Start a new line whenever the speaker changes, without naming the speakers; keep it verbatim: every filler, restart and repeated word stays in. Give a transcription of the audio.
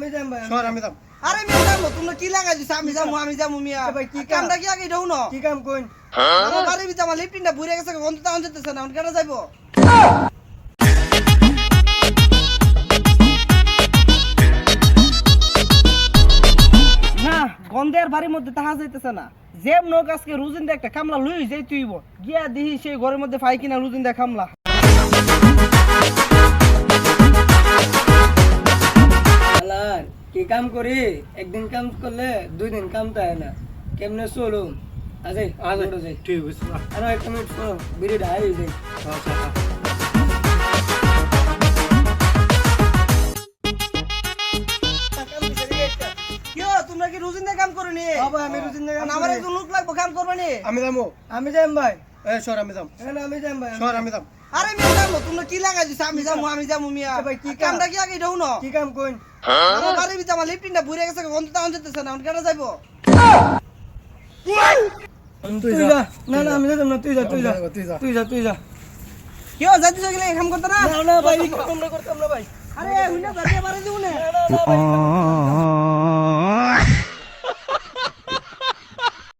আমি যাম ভাই
সর আমি যাম
আরে মিয়া যাবো তোমরা কি লাগাই দিছ আমি যাবো আমি যাবো মিয়া
ভাই, কি
কি
কাম?
কামটা কি আগে দাও না
কি কাম কইন
আমার বাড়ির ভিতরে আমার লিফটিনটা বুড়ে গেছে গন্ধ তাও যেতেছে না এখন কেন যাইবো না গন্ধের বাড়ির মধ্যে তাহা যাইতেছে না যেম নোক আজকে রুজিন্দা একটা কামলা লই যাই তুইব গিয়া দিহি সেই ঘরের মধ্যে পাই কিনা রুজিন্দা কামলা
আলার কি কাম করি একদিন কাম করলে দুই দিন কাম তাই না কেমনে চলুম আজে আজে যাই
ঠিক আছে
আর একটা মিনিট শোনো বিড়ি ঢাই যাই
আচ্ছা
কিও তোমরা কি রুজিন্দা কাম করনি
বাবা আমি রুজিন্দা কাম
আমার একজন লোক লাগবো কাম করবানি
আমি যাবো
আমি যাম ভাই
এ সর আমি যাম
এখানে আমি যাম ভাই
সর আমি যাম
আরে মিয়া যাবো তোমরা কি লাগাই দিছ আমি যাবো আমি যাবো মিয়া
ভাই, কি
কি
কাম?
কামটা কি আগে দাও না
কি কাম কইন
আমার বাড়ির ভিতরে আমার লিফটিনটা বুড়ে গেছে গন্ধ তাও যেতেছে না এখন কেন যাইবো
তুই যা না না আমি যাম না তুই যা তুই যা
তুই যা।
তুই যা তুই যা
কিও যাইতেছ গেলে কাম করতে না
না না ভাই তোমরা করতাম না ভাই
আরে হুইনা যাতে পারে দিও না
না না ভাই